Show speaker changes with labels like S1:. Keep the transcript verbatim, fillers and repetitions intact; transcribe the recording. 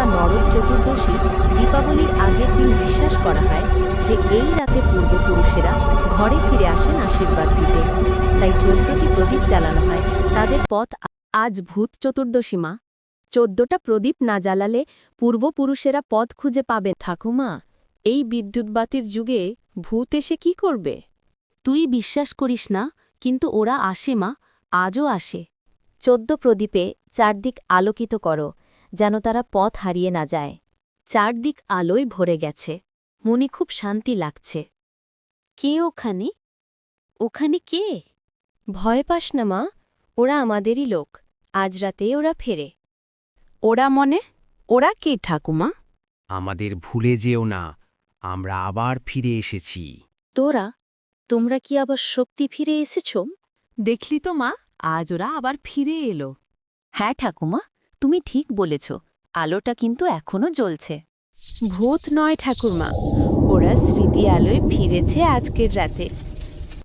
S1: বা নরক চতুর্দশী দীপাবলির আগের দিন বিশ্বাস করা হয় যে এই রাতে পূর্বপুরুষেরা ঘরে ফিরে আসেন আশীর্বাদ দিতে। তাই চোদ্দটি প্রদীপ জ্বালানো হয় তাদের পথ। আজ ভূত চতুর্দশী মা, চোদ্দটা প্রদীপ না জ্বালালে পূর্বপুরুষেরা পথ খুঁজে পাবে। ঠাকুমা, এই বিদ্যুৎবাতির যুগে ভূত এসে কি করবে? তুই বিশ্বাস করিস না, কিন্তু ওরা আসে মা, আজও আসে। চোদ্দ প্রদীপে চারদিক আলোকিত করো, যেন তারা পথ হারিয়ে না যায়। চারদিক আলোয় ভরে গেছে, মনে খুব শান্তি লাগছে। কে ওখানে? ওখানে কে? ভয় পাস না মা, ওরা আমাদেরই লোক। আজ রাতে ওরা ফেরে। ওরা মনে? ওরা কে ঠাকুমা?
S2: আমাদের ভুলে যেও না, আমরা আবার ফিরে এসেছি।
S1: তোরা, তোমরা কি আবার শক্তি ফিরে এসেছ?
S3: দেখলি তো মা, আজ ওরা আবার ফিরে এলো।
S1: হ্যাঁ ঠাকুমা, তুমি ঠিক বলেছ, আলোটা কিন্তু এখনো জ্বলছে। ভূত নয় ঠাকুরমা, ওরা স্মৃতি আলোয় ফিরেছে আজকের রাতে।